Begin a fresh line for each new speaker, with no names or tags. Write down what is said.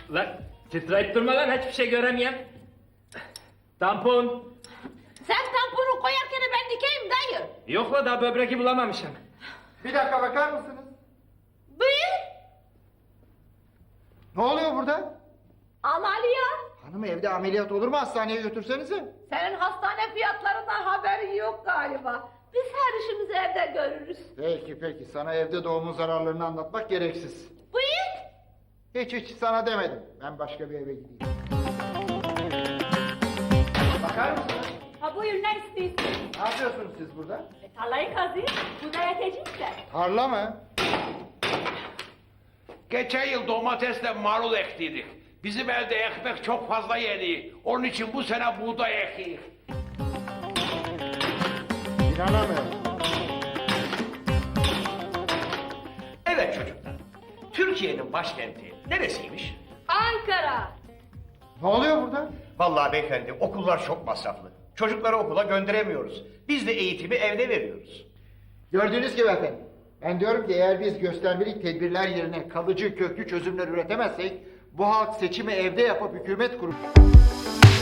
Lan titreyip durma lan, hiçbir şey göremiyorum. Tampon.
Sen tamponu koyarken ben dikeyim dayı.
Yok la, daha böbreki bulamamışım.
Bir dakika bakar mısınız?
Buyur.
Ne oluyor burada?
Ameliyat.
Hanım evde ameliyat olur mu? Hastaneye götürsenize.
Senin hastane fiyatlarından haberin yok galiba. Biz her işimizi evde görürüz.
Peki sana evde doğumun zararlarını anlatmak gereksiz.
Buyur.
Hiç sana demedim. Ben başka bir eve gideyim. Bakar mısınız?
Ha buyur, ne istiyorsun?
Ne yapıyorsunuz siz burada?
Tarlayı kazıyım. Bu da yetecek de.
Tarla mı?
Geçen yıl domatesle marul ektiydik. Bizim elde ekmek çok fazla yedi. Onun için bu sene buğday ekiyoruz.
İnanamıyorum.
Evet çocuklar. Türkiye'nin başkenti neresiymiş?
Ankara.
Ne oluyor burada?
Vallahi beyefendi okullar çok masraflı. Çocukları okula gönderemiyoruz. Biz de eğitimi evde veriyoruz.
Gördüğünüz gibi efendim. Ben diyorum ki eğer biz göstermelik tedbirler yerine kalıcı köklü çözümler üretemezsek bu halk seçimi evde yapıp hükümet kurup